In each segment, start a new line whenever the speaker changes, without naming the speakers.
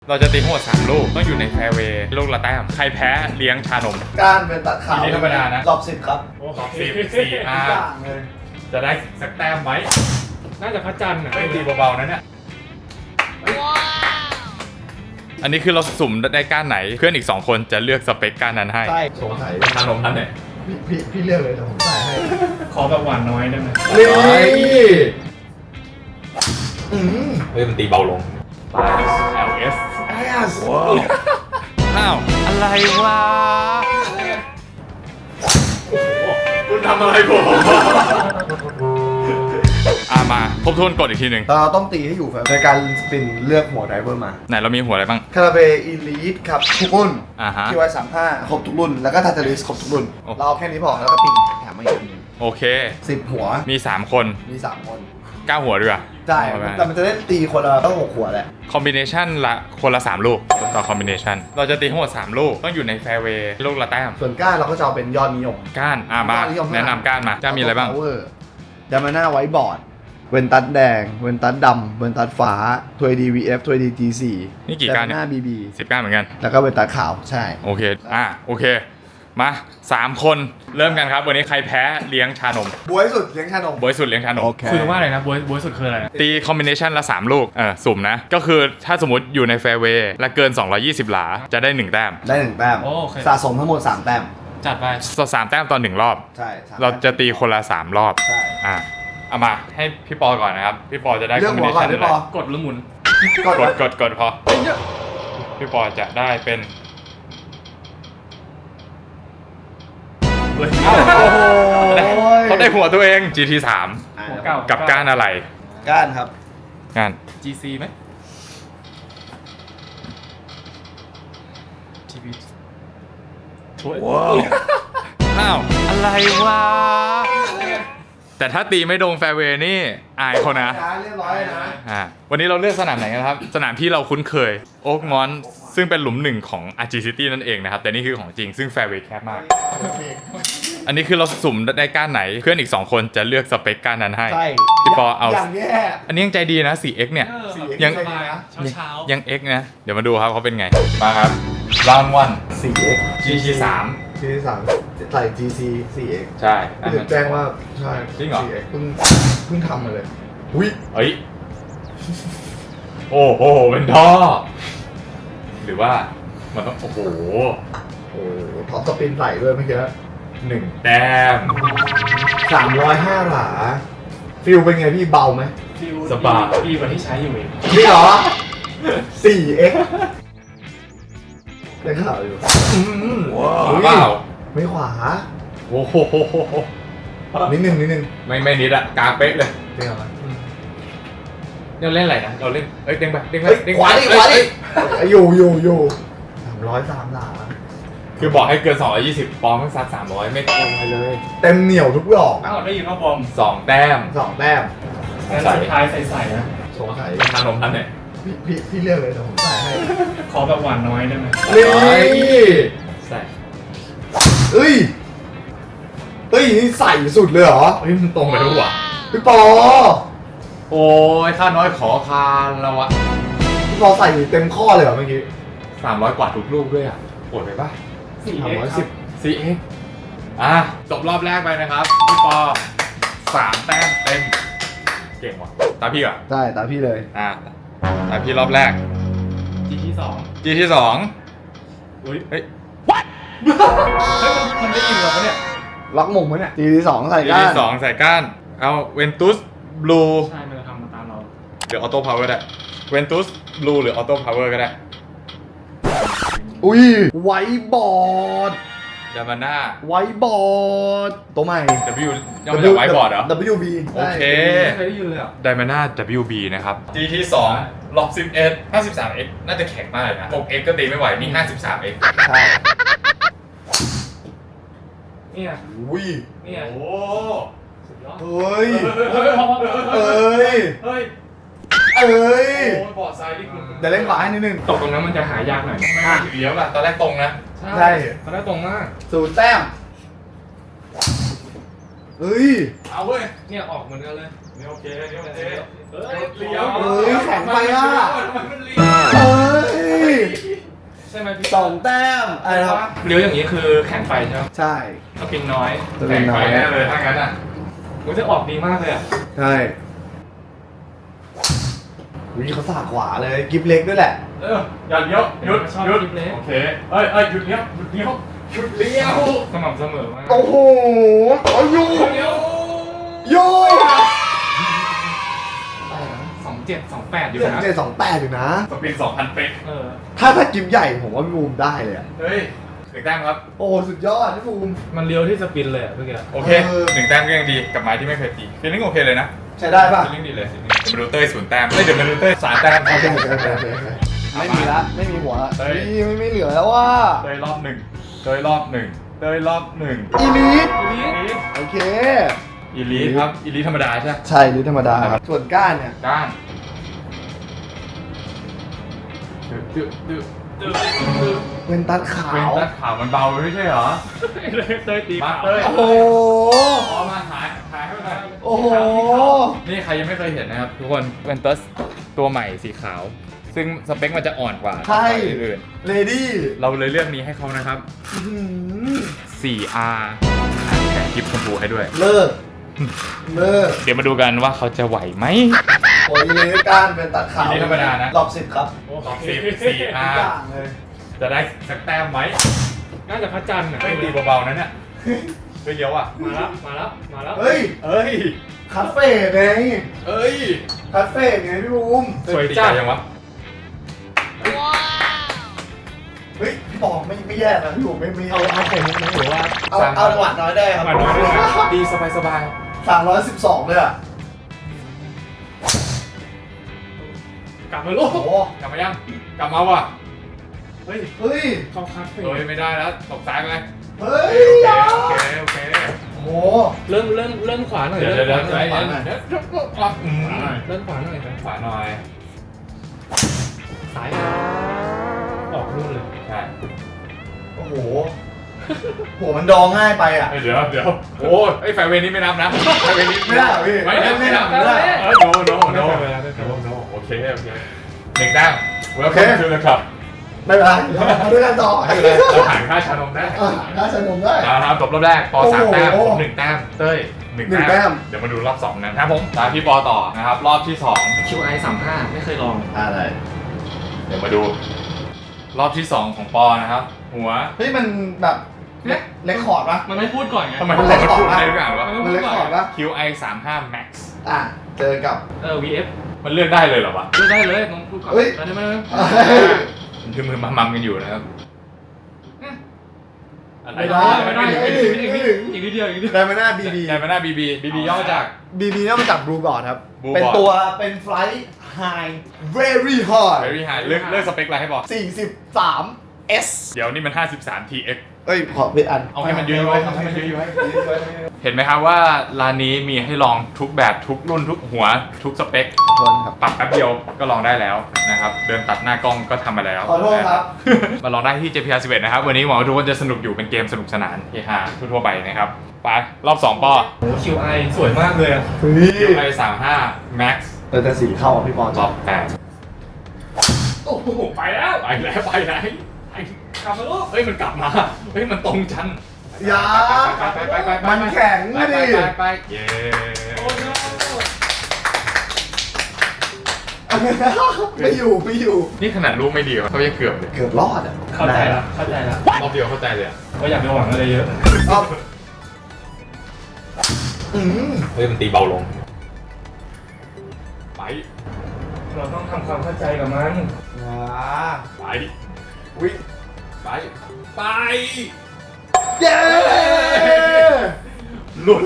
เราจะตีทั้งหมด3ลูกต้องอยู่ในแฟร์เวย์ลูกละแต้มใครแพ้เลี้ยงชานม
การเป็นตัดขาว
อันนี้ธรรมดานะ
รอบ10ครับ
สอง14จะได้สักแต้มไหม
น่าจะพระจันทร์อ่ะ
ไม่ตีเบาๆนะเนี่ยอันนี้คือเราสุ่มได้ก้านไหนเพื่อนอีก2คนจะเลือกสเปคก้านนั้นให้
ใช่สงสัย
ชานมนั้นเนี่ย
พี่เลือกเลยแต่ผมใส่ให้
ขอแบบหวานน้อยได้ไหม
นี่
เฮ้ยมันตีเบาลง LS
ว้าว
อ้าวอะไรวะคุณทำอะไรผมมาทบทวนกฎอีกทีหนึ่ง
เราต้องตีให้อยู่แฟนในการสปินเลือกหัวไดเวอร์มา
ไหนเรามีหัวอะไรบ้าง
คาราเบอีลีทครับทุกรุ่น
ฮะ
ที่ไว้35ครบทุกรุ่นแล้วก็ทาร์ตาริสครบทุกรุ่น
โอ้
เราเอาแค่นี้พอแล้วก็ปิงแถมมาอีกนึง
โอเค
10 หัว
มี3คน
มี3 คน
9หัวด้วย
ใช่แต่มันจะได้ตีคนละต้อง6หัวแหละ
คอมบิเนชันละคนละ3ลูกต่อคอมบิเนชันเราจะตีทั้งหมด3ลูกต้องอยู่ในแฟร์เวย์ลูกละแต้ม
ส่วนก้านเราก็จะเอาเป็นยอดนิยม
ก้านมา
นิยม
แนะนำก้านมาจะมีอะไรบ้าง
ดามาน่าไวท์บอร์ดเวนตัสแดงเวนตัสดำเวนตัสฟ้าทวยดีวีเอฟทวยดีจีสี่
นี่กี่ก้านเนี่ย
หน้าบีบี
10ก้านเหมือนกัน
แล้วก็เวนตัสขาวใช่
โอเคโอเคมา3คนเริ่มกันครับวันนี้ใครแพ้เลี้ยงชานม
บวยสุดเลี้ยงชานม
บอยสุดเลี้ยงชานม
คือว่าอะไรนะบวยสุดคืออะไรนะ
ตีคอมบิเนชันละ3ลูกสุ่มนะก็คือถ้าสมมติอยู่ในแฟร์เวย์และเกิน220หลาจะได้1แต้ม
ได้1แต้ม
โอเค
สะสมทั้งหมด3แต้ม
จัดไป
3แต้มตอน1รอบ
ใช่สม
เราจะตีคนละ3รอบ
ใช่
เอามาให้พี่ปอก่อนนะครับพี่ปอจะได้
เลื
ค
อ
อก มบิ
หั
เน
วก่อ
ชั
น
น
ได้
อะไร
ปอก
ดหรือหมุน
กดพอพี่ปอจะได้เป็นเฮ้ย
โอ้โห
เขาได้หัวตัวเอง GT3
หัวเก่า
กับก้านอะไร
ก้านครับ
ก้าน
GC ไหม GP
ว้าว
อ้าวอะไรวะแต่ถ้าตีไม่โดนแฟร์เวย์นี่อายเขานะ
เรียบร้อยนะ
วันนี้เราเลือกสนามไหนกันครับ สนามที่เราคุ้นเคยโอ๊กมอนซึ่งเป็นหลุม1ของ RG City นั่นเองนะครับ แต่นี่คือของจริงซึ่งแฟร์เวย์แคบมาก อันนี้คือเราสุ่มได้ก้านไหนเพื่อนอีก2คนจะเลือกสเปคก้านนั้นให้
ใช่
พี่ปอเอา
อย่างแย่
อันนี้ยังใจดีนะ 4x เนี่ย
ยั
ยัง ง
ใจดีนะ
เช้า
ยัง X นะ เดี๋ยวมาดูครับเขาเป็นไง มาครับ round
4x
1 GT3
ที่3ใส่ GC 4x
ใช่
พี่ถึงแจ้งว่าใช่
จริงเหรอ
4x เพิ่งทำมาเลยอุ้ย
เฮ้ย โอ้โหเป็นท่อ หรือว่ามันต้อง โอ้โห
โอ้ท็อปสปินใส่ด้วยเมื่อกี้
1 แต้ม
305 หลาฟิลเป็นไงพี่เบาไหม
สบาย
ดีกว่าที่ใช้อยู่อีก
นี่เหรอ 4x ได้ข่าวอยู่
ว้าว
ไม่ขวา
โอ้โห
นิดนึง
ไม่นิดอะกลางเป๊ะเลย
เป็นไงวะ
เราเล่นอะไรนะ เราเล่น เอ้ยเด้งไปเด้งไป
เฮ้ย
เด้ง
ขวาดิ
เอ้ย
ขวาดิ
เอ้ย
อยู่303 หลา
คือบอกให้เกิน220ปอมไม่ซัด300 ไม่ตรงไปเลย
เต็มเหนียวทุกดอก
อ้าวได้ยินว่าบอม
2 แต้ม
2 แต้ม
งานสุดท้ายใส่ๆนะ
สงสัย
ชานมนั้นเนี่ย
พี่เลือกเลยแต่ผมใส่ให้
ขอแบบหวานน้อยได้ไหม
นี่
ใส่
เอ้ยนี่ใส่สุดเลยเหรอ
เฮ้ยมันตรงไปทุกว่ะ
พี่ปอ
โอ้ยค่าน้อยขอคานแล้ววะ
พี่ปอใส่เต็มข้อเลยเหรอเมื่อกี้
300 กว่าทุกลูกด้วยอ่ะโอดไปปะ
4X
4x จบรอบแรกไปนะครับ พี่ปอ3 แต้มเต็ม เก่งว่ะ ตามพี่อ่ะ
ได้ตามพี่เลย
ตามพี่รอบแรก
GT 2
G ที่
อุ้ย
2 เฮ้ย
เฮ้ยมันได้ยินเหรอเนี่ย
ล็อกมุมไว้เนี่ยที2ใส่
G
ก้าน
ที่ 2 ใส่ก้าน เอาเวนตุสบลู
ใช่ มันจะทำมาตามเรา
หรือออโต้พาวเวอร์ได้เวนตุสบลูหรือออโต้พาวเวอร์ก็ได้
อุ้ยไวท์บอร์ด
ดามาน่า
ไวท์บอร์ดตัวใหม่
W ยังไม่ได้ไว้บอร์ดเหรอ
WB
โอเค
ไม่เคยได้ยินเลยอ่ะ
ไดมาน่า WB นะครับ G ที่2ลบ11 53x น่าจะแข็งมากเลยนะ 6x ก็ตีไม่ไหว นี่ 53x
ใช่
เนี่ย
อุ้ย
เนี่ย
โอ้
สุดยอด
เฮ้ย
เฮ้ย
เอ้ย
เฮ้ย
เอ้ย
โอ้ยบอร์ดซ้ายนี่คุณ
เดี๋ยวเล่นขวาให้นิดนึง
ตกตรงนั้นมันจะหายากหน่อย
เลี้ยวอะตอนแรกตรงนะ
ใช่
ตอนแรกตรงมาก
0 แต้มเฮ้ย
เอาเว้ย
เนี่ยออกเหมือนกันเลย
นี่โอเคนี่โอเค
เฮ้ยเลี้ยว
เฮ้ยแข็งไปอ่ะ
มันเลี้ยว
เฮ้ย
ใช่ไหมพี่
2 แต้มอะไรครับ
เลี้ยวอย่างนี้คือแข็งไปใช่ไหม
ใช่
สปินน้อย
จะเป็นน้อย
แน่เลยถ้างั้นอ่ะ
มันจะออกดีมากเลยอ่ะ
ใช่วิเขาสาขวาเลยกิฟเล็กด้วยแหละ
อย่าเลี้ยวหยุด
ชอบ
หยุด
คลิปเล็ก
โอเคเอ้ยหยุดเลี้ยวหยุดเลี้ยวหยุดเลี้ยว
สม่ำเสมอมาก
โอ้โหเอาอยู่
เลี้ยว
อยู่
2728อยู่
เจ็ด
นะ
เจ็ด2-8อยู่นะ
สปีด2,000 เป๊ก
ถ้ากิฟใหญ่ผมว่าพี่บูมได้เลยอะ
เฮ้ยหนึ่งแต้มครับ
โอ้สุดยอดพี่บูม
มันเลี้ยวที่สปินเลยอะเมื่อกี้
โอเคหนึ่งแต้มก็ยังดีกับไม้ที่ไม่เคยตีฟีลลิ่งโอเคเลยนะ
ใช้ได้ป่ะ
ฟีลลิ่งดีเลยมาดูเต้ย0 แต้มเดี๋ยวมาดูเต้ย3 แต้ม
โอเคไม่มีละไม่มีหัว
เฮ้ย
ไม่เหลือแล้วว่า
เต้ยรอบ 1เต้ยรอบ 1เต้ยรอบ 1
อีลิท
นี่
โอเค
อีลีทครับอีลีทธรรมดาใช่ไหม
ใช่ลิทธรรมดาครับส่วนก้านเนี่ย
ก้านตึ๊ด
เป็นตัดขา
เป็น
ว
ตัดขาวมันเบาไปไม่ใช่เหรอ
เต้ยตี
มาเต้ย
โอ้โห
พอมาหายให้หน่อย
โอ้โห
นี่ใครยังไม่เคยเห็นนะครับทุกคนเป็นตัสตัวใหม่สีขาว ซึ่งสเปคมันจะอ่อนกว่า
ใช่
ตัวอื่น
เลดี้
เราเลยเลือกนี้ให้เขานะครับ 4R แถมกิฟต์ชมพูให้ด้วย
เลิกเลิก
เดี๋ยวมาดูกันว่าเขาจะไหวไหม
โอ้ยอีลิทก้านเป็นตัดขาว
อีลิทธรรมดานะ
รอบ10ครับ
รอบ10
ทุก
4R
อย่างเลย
จะได้สักแต้มไหม
น่าจะพระจันทร์อ่ะ
ไม่ตีเบาๆนะเนี่ยไม่เยอะอ่ะ
มาแล้ว
เฮ้ย
เอ้ย
คาเฟ่ไง
เอ้ย
คาเฟ่ไงพี่บูม
สวย
ตี
จั
ไก
ด
ลยังวะ
เฮ้ยพี่บอกไม่แย่นะพี่บูมไม่
เอาผมนะหรือว่า
เอาจังหวะน้อยได้ครับ
หวานน้อยได้ไหม
ตีสบาย
312เลยอ่ะ
กลับมาลูก
โอ้โห
ๆกลับมายังกลับมาว่ะ
เฮ้ย
เฮ้ย
เข้าคัดเฟ
เฮ้ยไม่ได้แล้วตกซ้ายไป
เฮ้ย
โอเคโอเค
โอ้โห
เริ่มขวาหน่อย
เดี๋ยว
เริ่ม
เดี๋ยว
ขวาหน่อย
เดี๋ยว
เริ่มขวาหน่อยครับ
ขวาหน่อย
ซ้ายออกนู่นเลย
ใช่
โอ้โหโหมันดองง่ายไปอ่ะ
เดี๋ยวโอ้ไอ้ไฟเวนี้ไม่นับนะไฟเวนี้
ไม่ได้เหรอพี่
ไม่นับ
ไม่ได้
โนโอเคหนึ่งแต้ม welcome to the club
ไม่เป็นไรเรามาด้วยกันต่อ
ไม่เป็นไรเราผ่านค่าชานมได้
น่าสนุกได้
ครับจบรอบแรกปอ3 แต้ม
โอ้
ผ
โห
ม1 แต้มเต้ย
หนึ่
1
งแต้
แต้ม
ม
เดี๋ยวมาดูรอบ2นะครับผมตามพี่ปอต่อนะครับรอบที่2
QI 35ไม่เคยลอง
อะไร
เดี๋ยวมาดู รอบที่ 2 ของปอนะครับหัว
เฮ้ยมันแบบเล็กคอร์ดปะ
มันไม่พูดก่อนไง
ทำไม
มัน
ผม
เล็ก
มา
ขอ
พู
บ
ด
ปะ
ได้ทุกอย่างวะ
มันเล็กคอร์ดปะ
QI 35 max
อ่ะเจอกับ
VF
มันเลือกได้เลยเหรอวะ
พูดได้เลยน้องพูดก่อน
เฮ้ย
ตอนนี้มัน
มันคือมือมัมกันอยู่นะครับอะไร
ไม่ได้
ไม่ได้
ไม่ถึงไม่ถึง
อีกนิดเดียวอีกนิดเดียว
ไดมาน่าบีบี
ไดมาน่าบีบีย่อมาจาก
บีบีเนี่ยมาจากบลูบอร์ดครับ
Blue
เป็น
Board
ตัวเป็นไฟล์ high very high
very high เลือกสเปคอะไรให้บอก
43 S
เดี๋ยวนี่มัน 53 TX
เอ้ยขอเป็นอัน
เอาให้มันยืนไว้ให้มันยืนไว้ เห็นไหมครับว่าร้านนี้มีให้ลองทุกแบบทุกรุ่นทุกหัวทุกสเปค
คนครับ
ปรับแป๊บเดียวก็ลองได้แล้วนะครับ เดินตัดหน้ากล้องก็ทำมาแล้ว
ขอโทษครับ
มาลองได้ที่ JPR 11 นะครับ วันนี้หวังว่าทุกคนจะสนุกอยู่เป็นเกมสนุกสนานเฮฮาทั่วๆไปนะครับ ไป รอบ 2 ปอ
โอ้ QI สวยมากเลยอะ
เฮ้ย
QI 35 Max
แต่สีเข้าอ่ะพี่ปอน
รอบ8โอ้โหไปแล้วไปไหนกลับมาลูกเฮ้ยมันกลับมาเฮ้ยมันตรงจัน
อย่า
ไป
มันแข็ง
ไป
ดิ
ไปเย้
โอ้โห
ไม่อยู่
นี่ขนาดลูกไม่ดีวะเขายังเกือบเลย
เกือบรอดอ่ะ
เข้าใจละ
รอบเดียวเข้าใจเลยอะ
ว่าอยากไปหวังอะไรเยอะ
เอาอืม
เฮ้ยมันตีเบาลง ไป
เราต้องทำความเข้าใจกับมัน
อ่า
ไป
วิ
ไป ไป
เย้
หลุด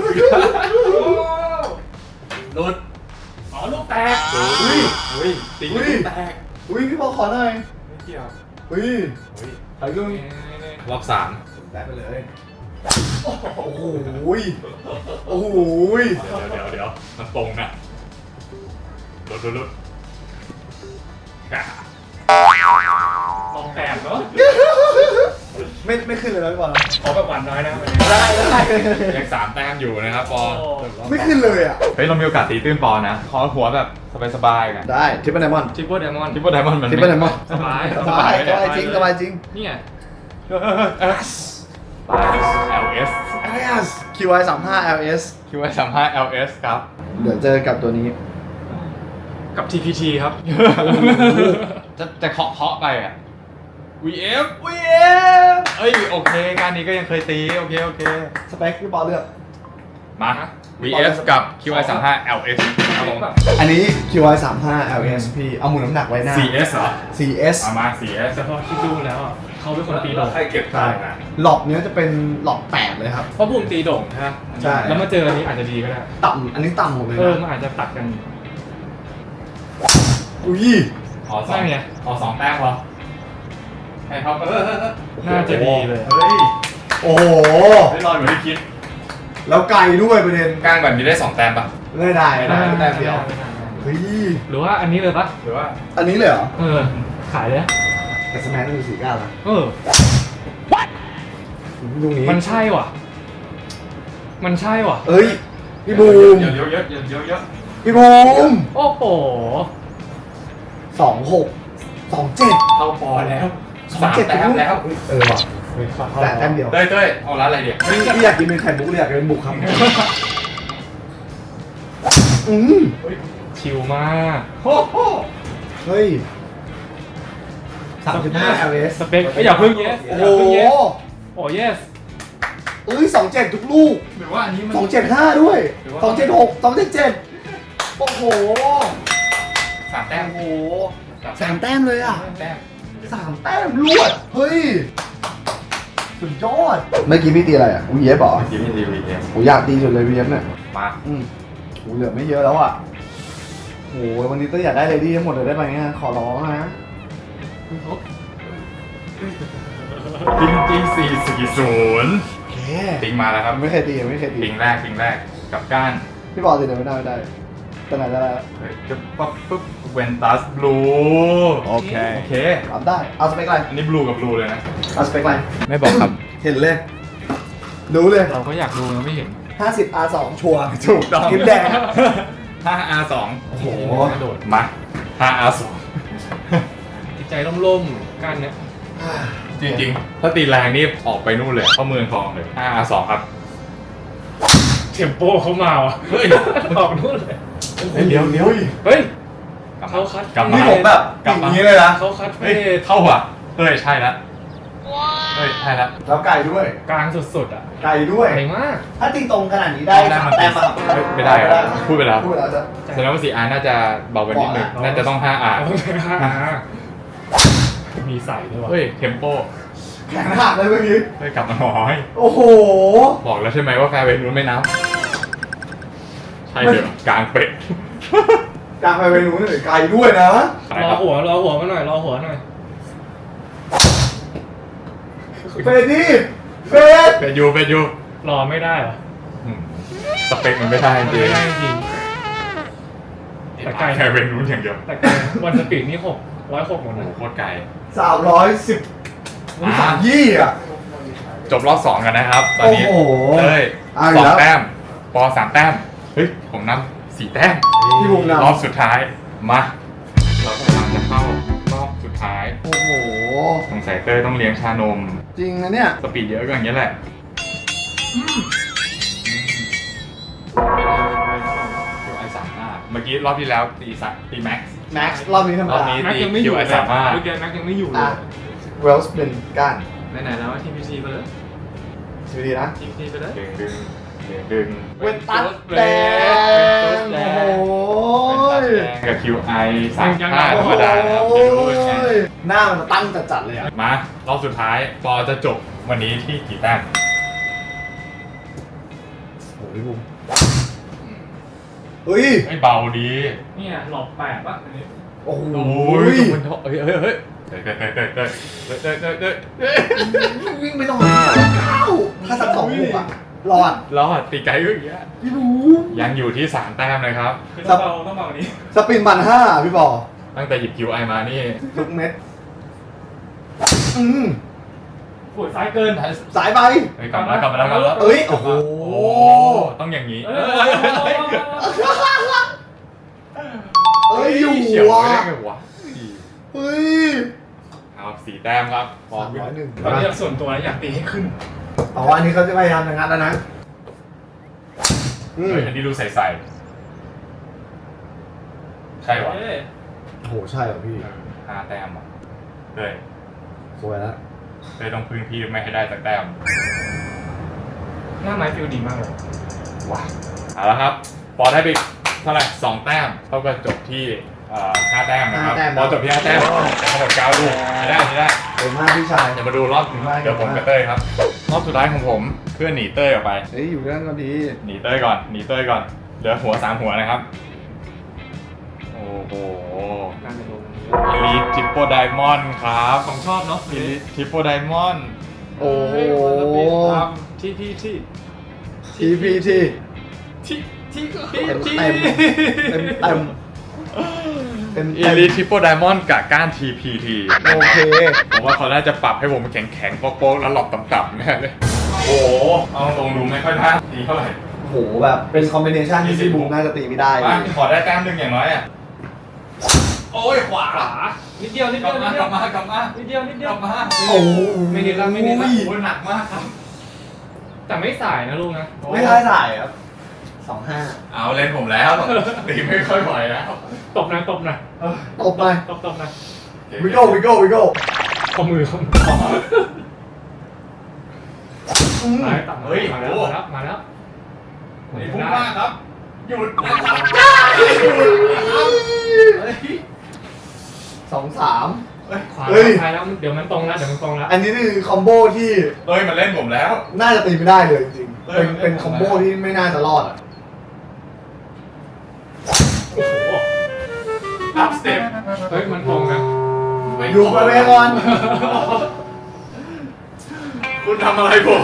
หลุดอ๋อลูกแตก
อุ้ยตีลูกแตก
อุ้ยพี่ปอขอหน่อย
ไม่เกี่ยว
อุ้ย
อุ้ย
ถ่ายรูป
รอบ3
แตะไปเลยโอ้โหโอ้โห
เดี๋ยวมันตรงนะหลุด
ลองแตกเนาะ
ไม่ขึ้นเลยนะพี่บอล
ขอแบบหวานน้อยนะวันนี้
ได้
ยัง3 แต้มอยู่นะครับปอ
ไม่ขึ้นเลยอ่ะ
เฮ้ยเรามีโอกาสตีตื้นปอนะ ขอหัวแบบสบายๆกัน
ได้ทิปเปิลไดมอนด์
ทริปเปิลไดมอนด์
ทิปเปิลไดมอนด์มัน
ทิปเปิลไดมอนด์
สบาย
สบายจริงสบายจริง
เนี่ย
LS
LS QI 35 LS
QI 35 LS ครับ
เดี๋ยวเจอกับตัวนี้
กับ TPT ครับ
จะเคาะไปอ่ะ VF
VF
เอ้ยโอเคการนี้ก็ยังเคยตีโอเค
สเปคพี่บอลเลือก
มา VF กับ QI 35 LS ครับผม
อันนี้ QI 35 LS พี่เอาหมุนน้ำหนักไว้หน้า
CS เหรอ
CS
เอามา CS
แต่พอคิดดูแล้วอ่ะเขาเป็นคนตีโด่ง
ใครเก็บ
ใช่หลอกเนี้ยจะเป็นหลอก8เลยครับ
เพราะบูมตีโด่งใช่ไหม
ใช่
แล้วมาเจออันนี้อาจจะดีก็ได้
ต่ำอันนี้ต่ำหมดเลย
เออ
นะ
มันอาจจะตัดกัน
อุ้ย
อ๋อสอง
ใช่ไง
อ๋อ2 แต้มพอให้เขา
น่าจะดีเลย
เฮ้ย
โอ้โห
ได้ลอยเหมือนที่คิด
แล้วไกลด้วยประเด็น
กลางแบบนี้ได้2 แต้มปะ
ไม่ได้แต้มเดียวเฮ้ย
หรือว่าอันนี้เลยปะ
หรือว่า
อันนี้เลยเหรอ
เออ ขายเลยนะ
แต่สแมนต้องมี4 ก้าวนะ
เออ
ลูกนี้
มันใช่ว่ะ มันใช่ว่ะ
เอ้ยพี่บูม
เยอะเยอะ
พี่บูม
โอ้โห
26 27
เข้าปอแล้ว3 แต้มแล้ว
เออว่ะแต่แต้มเดียว
เต้ยเอาร้านอะไรเดี๋ยว
พี่อยากกินเป็นไข่มุกหรืออยากกินเป็นบุกครับอืม
ชิลมาก
เฮ้ย35 LS
สเปคอย่าเพิ่งเยส
โอ้
อย่า
โห
เพิ่งเยสโอ้เยส
เอ้ย27ทุกลูก
หรือว่าอันนี้มัน
275 ด้วย
หรือว่า
276 277 โอ้โห
3 แต้ม
โอ้โห3 แต้มเลยอ่ะ
แต้ม
3 แต้มรวด เฮ้ย สุดยอด เมื่อกี้พี่ตีอะไรอ่ะ VF เหรอ
ทีมทีวีเอ็ม
ผมอยากตีสุดเลย VF เนี่ย
มา
โหเหลือไม่เยอะแล้วอ่ะโหวันนี้ต้องอยากได้เลดี้ทั้งหมดเลยได้ไหมเนี่ยขอร้องนะ
จริง440
โอเค
ปิงมาแล้วครับ
ไม่เคยตีไม่เคยตี
ปิงแรกกับก้าน
พี่บอลตีเดี๋ยวไม่ได้ตอนไหนได้แล้ว
เฮ้ยปุ๊บเวนตัสบลูโอเค
รับได้ เอาสเปคอะไร
อันนี้บลูกับบลูเลยนะ
เอาสเปคอะไร
ไม่บอกครับ
เห็นเลย รู้เลย
เราก็อยากดูเราไม่เห็น
50 R2 ชัวร์
ถูกต้อง
คลิปแดง
5R2
โอ้โห
กระโดด
มา 5R2
จิตใจร่มๆกันเนี่ย
จริงๆ ถ้าตีแรงนี่ออกไปนู่นเลยเข้าเมืองทองเลย 5R2 ครับ
เทมโปเขามาว่ะ
เฮ้ย
ออกนู่นเลย
เดี๋ยว
เฮ้ยเขาคัด
กลับมา
นี่ผมแบบ
กลับ
อ
มา
ย่างนี้เลยนะ
เขาคัดเฟ
เฮ้ย
ส
เข้าอ่ะเฮ้ยใช่ละเฮ้ยใช่ละ
แล้วไก่ด้วย
กลางสุดๆอ่ะ
ไก่ด้วย
ใหญ่มาก
ถ้าตีตรงขนาดนี้ได้3 แต้มป่ะ
ไม่ได้อะพูดไปแล้ว
พูดไปแล้วจะ
แสดงว่า 4R น่าจะเบาไปนิดนึง
บอกแล้ว
น่าจะต้อง 5R
มีใส่ด้วยว่ะ
เฮ้ยเทมโป
แขนหักเลยเมื่อกี้
เฮ้ยกลับมาหน่อย
โอ้โห
บอกแล้วใช่ไหมว่าแฟร์เวย์นู้นไม่นับใช่เดี๋ยวกลางเป็ด
การไปเวนูนี่ไก่ด้วยนะ
รอหัวมาหน่อยรอหัวหน่อย
เฟดดี้เฟด
เป็ดยู
รอไม่ได้เหรอ
อืมสเปคมันไม่ได้จริง
ไม่ได้จริง แต่ไกล
แฟร์เวย์นู้นอย่างเดียว
แต่วันสปีดนี่106หมด
โอ้
นะ
โหโคตรไกล
310
อ่ะ
ยี่อ่ะ
จบรอบ2กันนะครับ ตอนนี้
โอ้โห
เอ้ย
เอาอีกแล้ว
2 แต้มปอ3 แต้มเฮ้ยผมนำ4 แต้ม
พี่บุ๋มนำ
รอบสุดท้ายมาเรากำลังจะเข้ารอบสุดท้าย
โอ้โห
สงสัยเต้ยต้องเลี้ยงชานม
จริงนะเนี่ย
สปีดเยอะก็อย่างนี้ยแหละเดี๋ยวไอ้35เมื่อกี้รอบที่แล้วตีแม็กซ์
แม็กซ์รอบนี้ธรรม
รอบ
ดา
นี้
แม็กยังไม่อยู่เลย
คิวไอ้35
เมื่อกี้แม็กยังไม่อยู่เล
อ่ะ
ย
เวลส์เป็นก้าน
ไหนๆแล้วทีพีซีไปเลย
สวัสดีนะ
ทีพีซีไปเลย
ดึง
เวนตัสแดงโอ้โห
กับ QI 35ธรรมดานะครับ
โอ้
เดี๋ยวรู้กัน
ยหน้ามันตั้งจัดๆเลยอ่ะ
มารอบสุดท้ายปอจะจบวันนี้ที่กี่แต้ม
โอ้ยบุ๋มเฮ้ย
ไม่เบาดี
เนี่ยหลอก8ป่ะอันนี้
โอ้โห
โอ้ยมันเฮ้ยเต้ย
วิ่งไปหน่อยถ้าสัก2 ลูกอ่ะรอด
รอดตีไกลก็อย่างเงี้ย
พี่บูม
ยังอยู่ที่3 แต้มเลยครับ
คือต้องเบานี้
สปิน1,500พี่บอ
ตั้งแต่หยิบ QI มานี่
ทุกเม็ด
ปวดซ้ายเกิน
สายไป
เฮ้ยกลับมาแล้ว
เอ้ยโอ้โห
โอ้ต้องอย่างนี้
เอ้ยอยู่
เฉียว
ว่ะ
ไม่ได้ไงวะ
เฮ้ย
เอา4 แต้มครับพอ
301
ตอนนี้ส่วนตัวอยากตีให้ขึ้น
อ๋ออันนี้เขาจะพยายามจะงัดแล้วนะ
เฮ้ยอันนี้ดูใสๆใช่วะ
โอ้โหใช่เหรอพี่
5 แต้มอ่ะเฮ้ย
สวยแล้ว
เลยต้องพึ่งพี่ไม่ให้ได้สักแต้ม
หน้าไม้ฟิลดีมากเลย
ว้าเอาละครับปอได้ไปเท่าไหร่2 แต้มเท่ากับจบที่5 แต้มนะครับปอจบที่5 แต้มทั้งหมด9 ลูกได้
เก่งมากพี่ชาย
เดี๋ยวมาดูรอบเดี๋ยวผมกับเต้ยครับรอบสุดท้ายของผมเพื่อนหนีเต้ยออกไป
เฮ้ยอยู่ด้านก็ดี
หนีเต้ยก่อนเหลือหัว3 หัวนะครับโอ้โห
การเป็นลม
Elite Triple Diamond ครับ
ของชอบเนาะ
Elite Triple Diamond
โอ้โห
ที่
TPT เต็มเต็ม
Elite Triple Diamond กับก้าน TPT
โอเค
ผมว่าเขาน่าจะปรับให้ผมแข็งๆโป๊กๆแล้วหลอกต่ำๆแน่เลยโอ้โหเอาตรงดูไม่ค่อยน่าดีเท่าไหร่
โอ้โหแบบเป็นคอมบิเนชันที่พี่บูมน่าจะตีไม่ได้
มาขอได้แต้มหนึ่งอย่างน้อยอ่ะโอ้ยขวา
นิดเดียว
กลับมากลับมา
นิดเดียว
กลับมา
โอ้โห
ไม่นิดละ
โอ้ยหนักมากครับ
แต่ไม่สายนะลูกนะ
ไม่ได้ถ่ายครับ25
เอาเล่นผมแล้วตีไม่ค่อยไหวแล้ว
ตบนะ
ตบไป
ตบนะ
วิโก้
ข้อมือ
เฮ้ย
มา
โอ้
แล้ว
นี่พุ่งมากครับหยุดนะครับ
2-3
ขวา
เฮ้ย
ท้ายแล้วเดี๋ยวมันตรงแล้ว
อันนี้คือคอมโบที่
เฮ้ยมันเล่นผมแล้ว
น่าจะตีไม่ได้เลยจริงๆเป็นคอมโบที่ไม่น่าจะรอดอ่ะ
โอ้โห
อัพสเต็ป
เฮ้ยมันตรงนะ
อยู่ไปเวก่อน
คุณทำอะไรผม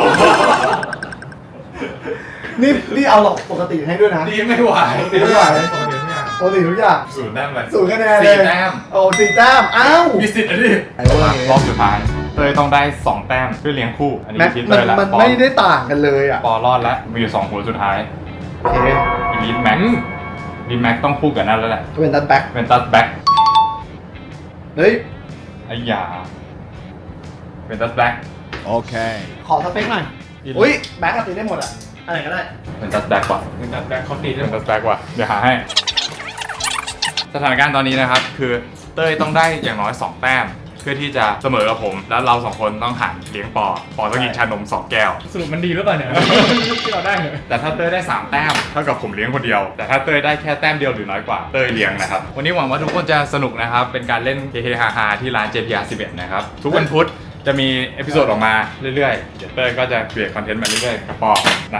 นี่เอาหลอกปกติให้ด้วยนะ
ตีไม่ไหว
ตีไม่ไหว
ตรงเดียวเนี่ย
ปกติทุกอย่าง
0 แต้มเลย
0 คะแนนเลย
4 แต้ม
โอ้4 แต้มอ้าว
มีสิทธิ์อะดิ
ไอ้พวกนี้
รอบสุดท้ายเต้ยต้องได้ 2 แต้มเพื่อเลี้ยงคู่ อันนี้
แม็ก
คิด
มั
เต้ยแล้ว
มัน
ปอ
ไม่ได้ต่างกันเลยอ่ะ
ปอรอดแล้วมีอยู่2 หัวสุดท้าย
โอเค
Elite Max Elite Max ต้องคู่กับนั่นแล้วแหละ
เป็นตันแบ็ค
เป็นตัดแบ็ค
เฮ้ย
ไอ้ยาเป็นตัดแบ็ค
ขอสเปคหน่อย อุ้ยแบ็คก็ตีได้หมดอ่ะอะไรก็ได้
เป็นตัดแบ็คว่ะ
เหมือนจัดแบงค์เขาตีได้
เป็น
หม
ตั
ด
ดแบ็คว่ะเดี๋ยวหาให้ สถานการณ์ตอนนี้นะครับ คือเต้ยต้องได้อย่างน้อย 2 แต้ม เพื่อที่จะเสมอกับผม แล้วเรา 2 คนต้องหันเลี้ยงปอต้องกินชานม 2 แก้ว
สรุปมันดีหรือเปล่าเนี่ย ที่เราได้เนี่ย
แต่ถ้าเต้ยได้ 3 แต้มเท่ากับผมเลี้ยงคนเดียว แต่ถ้าเต้ยได้แค่แต้มเดียวหรือน้อยกว่าเต้ยเลี้ยงนะครับ วันนี้หวังว่าทุกคนจะสนุกนะครับ เป็นการเล่นเฮฮาๆที่ร้าน JPR 11 นะครับ ทุกวันพุธจะมีเอพิโซดออกมาเรื่อยๆ เดี๋ยวเต้ยก็จะเปลี่ยนคอนเทนต์มาเรื่อยๆกับปอนะ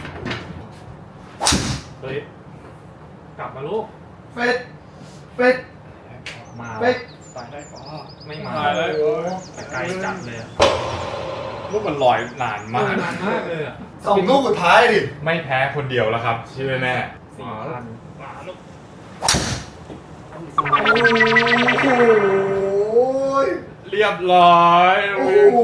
เฮ้ยกลับมาลูก
เฟดเฟด
มา
เฟด
ตายได้ก็ไม่มา
ตายแล้ว
แต่ไกลจัดเลยอะ
ลูกมันลอยนานมาก
นานมากเลยอ่ะ
2 ลูกสุดท้ายดิ
ไม่แพ้คนเดียวแล้วครับเชื่อแน่
4,000มาลูก
โอ้ย
เรียบร้อย
โอ้โห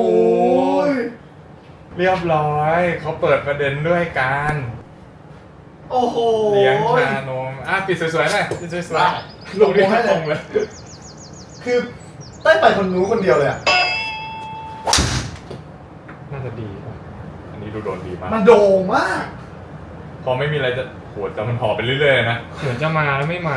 เรียบร้อยเขาเปิดประเด็นด้วยการ
โอ้โห
เลี้ยงชานมปิดสวยๆหน่อยปิดสวยๆ
ลงให้ตรงเลย
คือได้ไปคนนู้นคนเดียวเลยอ่ะ
น่าจะดีป่ะ
อันนี้ดูโดนดีมาก
มันโด่งมาก
พอไม่มีอะไรจะโหดแต่มันห่อไปเรื่อยๆนะ
เหมือนจะมาแล้วไม่มา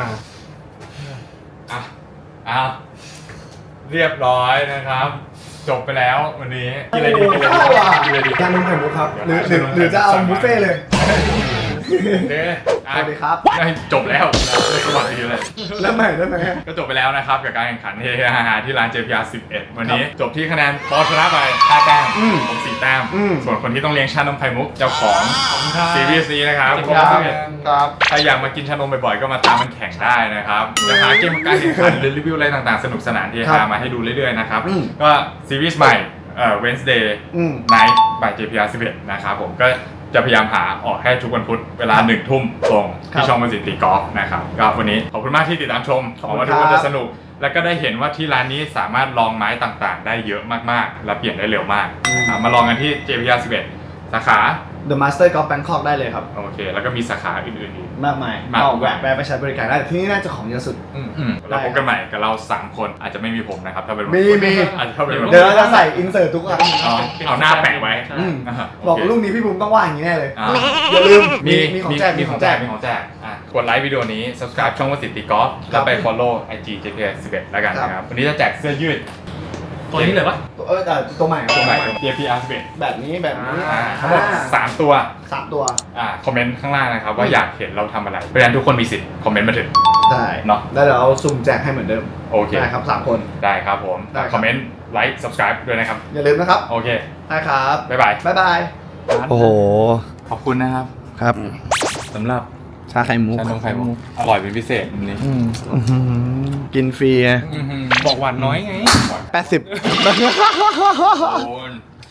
อ่ะเรียบร้อยนะครับ จบไปแล้ววันนี้กินอะไรดี
โอ้
กิน
โห
อะไรดี
เข้าอ่ะ
กินอะไรดี
การนมไข่มุกครับ หรือจะเอาบุฟเฟ่ต์เลย
โอเค
สวัสดีครับ
จบแล้วสวัสดีเลย
แล้วใหม่ได้ไหม
ก็จบไปแล้วนะครับกับการแข่งขันเฮฮาที่ร้าน JPR 11 วันนี้จบที่คะแนนปอชนะไป5 แต้มผม4 แต้ม ส่วนคนที่ต้องเลี้ยงชานมไข่มุกเจ้าของซีรีส์นี้นะครับ
ครับ
ถ้าอยากมากินชานมบ่อยๆก็มาตามมันแข่งได้นะครับจะหาเกมการแข่งขันหรือรีวิวอะไรต่างๆ สนุกสนานที่หามาให้ดูเรื่อยๆนะครับ ก็ซีรีส์ใหม่Wednesday Night by JPR 11 นะครับผมก็จะพยายามหาออกให้ทุกวันพุธเวลา1 ทุ่มตรงที่ช่องมันสิตีกอล์ฟนะครับก็วันนี้ขอบคุณมากที่ติดตามชมหวังว่าทุกคนจะสนุกแล้วก็ได้เห็นว่าที่ร้านนี้สามารถลองไม้ต่างๆ ได้เยอะมากๆ และเปลี่ยนได้เร็วมากนะครับมาลองกันที่ JPR 11 สาขา
The Master Golf Bangkok ได้เลยครับ
โอเค แล้วก็มีสาขาอื่นๆอีก
มากมาย
มากมาย
เอาแวะไปใช้บริการได้ที่นี่น่าจะของเยอะสุด
เราพบกันใหม่กับเรา 3 คนอาจจะไม่มีผมนะครับ ถ้าเป็น
มี
อาจจะถ้าเป็น
เดี๋ยวเราจะใส่อินเสิร์ตทุกอัน
เอาหน้าแปะไว้
อืม
อ่า
บอก
โเค
ลูกนี้พี่บุ๋มต้องว่าอย่างนี้แน่เลย
อ่า
อย่าลืม
มี
มีของแจก
มีของแจกมีของแจกกดไลค์วิดีโอนี้ subscribe ช่องวสิทธิกอล์ฟแล้วไป follow IG JPR 11 แล้วกันนะครับ วันนี้จะแจกเสื้อยืด
ตัวนี้เลยปะ
แต่ตัวใหม่
ตัวใหม่ JPR 11
แบบนี้แบบนี้
ทั้งหมด3 ตัว
3 ตัว
คอมเมนต์ข้างล่างนะครับว่าอยากเห็นเราทำอะไรเพราะฉะนั้นทุกคนมีสิทธิ์คอมเมนต์มาถึง
ได้
เนาะ
แล้วเดี๋ยวเอาสุ่มแจกให้เหมือนเดิม
โอเค
ได้ครับ3 คน
ได้ครับผม
ได้ครับ
คอมเมนต์ไลค์ subscribe ด้วยนะครับ
อย่าลืมนะครับ
โอเค
ได้ครับ
บ๊ายบาย
บ๊ายบาย
โอ้โห ขอบคุณนะครับ
ครับ
สำหรับ
ชาไข่มุก
ชานมไข่มุกอร่อยเป็นพิเศษวันนี้
กินฟรีไง
บอกหวานน้อยไง
80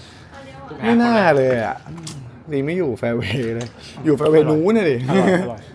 ไม่น่าเลยอ่ะนี่ไม่อยู่แฟร์เวย์เลย อยู่แฟร์เวย์นู้นน่ะดิ